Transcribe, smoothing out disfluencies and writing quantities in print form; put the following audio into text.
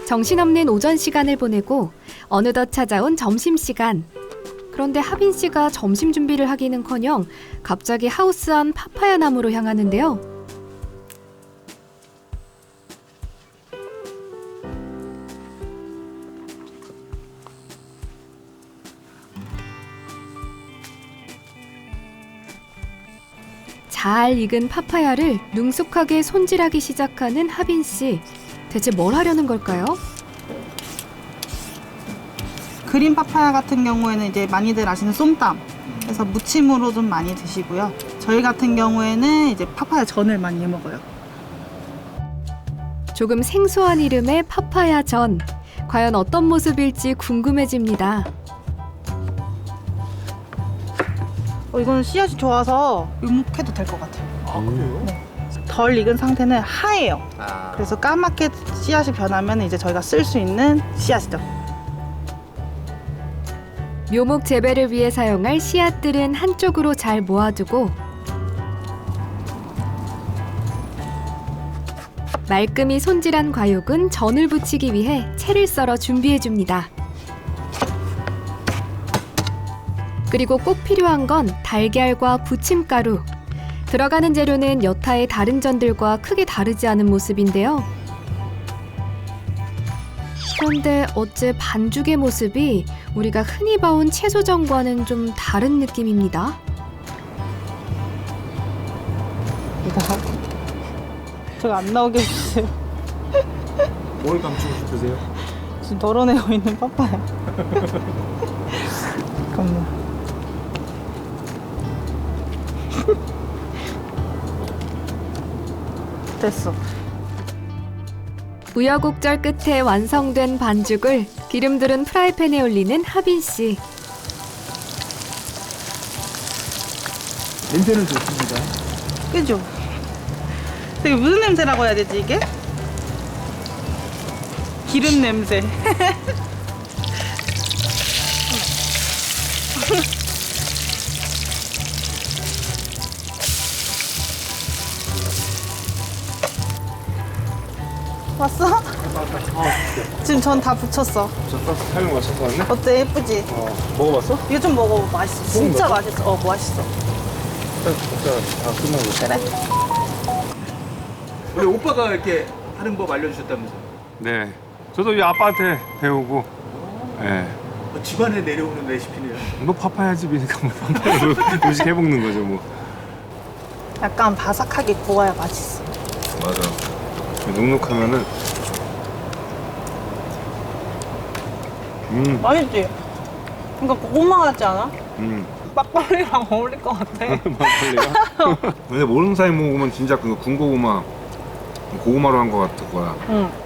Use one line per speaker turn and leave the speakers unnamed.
정신없는 오전 시간을 보내고 어느덧 찾아온 점심시간. 그런데 하빈 씨가 점심 준비를 하기는커녕 갑자기 하우스 안 파파야 나무로 향하는데요. 잘 익은 파파야를 능숙하게 손질하기 시작하는 하빈 씨. 대체 뭘 하려는 걸까요?
그린 파파야 같은 경우에는 이제 많이들 아시는 쏨땀. 그래서 무침으로 좀 많이 드시고요. 저희 같은 경우에는 이제 파파야 전을 많이 해 먹어요.
조금 생소한 이름의 파파야 전. 과연 어떤 모습일지 궁금해집니다.
이거는 씨앗이 좋아서 유목해도 될 것 같아요.
아, 그래요?
네. 덜 익은 상태는 하얘요.
아.
그래서 까맣게 씨앗이 변하면 이제 저희가 쓸 수 있는 씨앗이죠.
묘목 재배를 위해 사용할 씨앗들은 한쪽으로 잘 모아두고 말끔히 손질한 과육은 전을 부치기 위해 채를 썰어 준비해줍니다. 그리고 꼭 필요한 건 달걀과 부침가루. 들어가는 재료는 여타의 다른 전들과 크게 다르지 않은 모습인데요. 그런데 어째 반죽의 모습이 우리가 흔히 봐온 채소전과는 좀 다른 느낌입니다.
제가 안 나오게 해주세요.
뭘 감추고 싶으세요?
지금 덜어내고 있는 파파야. 잠깐만. 됐어.
우여곡절 끝에 완성된 반죽을 기름 두른 프라이팬에 올리는 하빈 씨.
냄새는 좋습니다.
그죠? 되게 무슨 냄새라고 해야 되지 이게? 기름 냄새. 왔어? 지금 전 다 붙였어.
저 타이밍 맞춰서 왔네?
어때? 예쁘지?
먹어봤어?
이거 좀 먹어봐. 맛있어. 진짜 맛있어. 맛있어.
일단 먹자. 다 끝나고.
그래.
원래 오빠가 이렇게 하는 법 알려주셨다면서요?
네. 저도 이 아빠한테 배우고, 예.
집안에 내려오는 레시피네요.
뭐 파파야 집이니까 뭐 파파야로 음식 해먹는 거죠, 뭐.
약간 바삭하게 구워야 맛있어.
맞아. 눅눅하면은,
맛있지? 그러니까 고구마 같지 않아?
음.
막걸리랑 어울릴 것 같아.
막걸리가? 근데 모르는 사이 먹으면 진짜 그 군고구마, 고구마로 한 거 같은 거야.
응.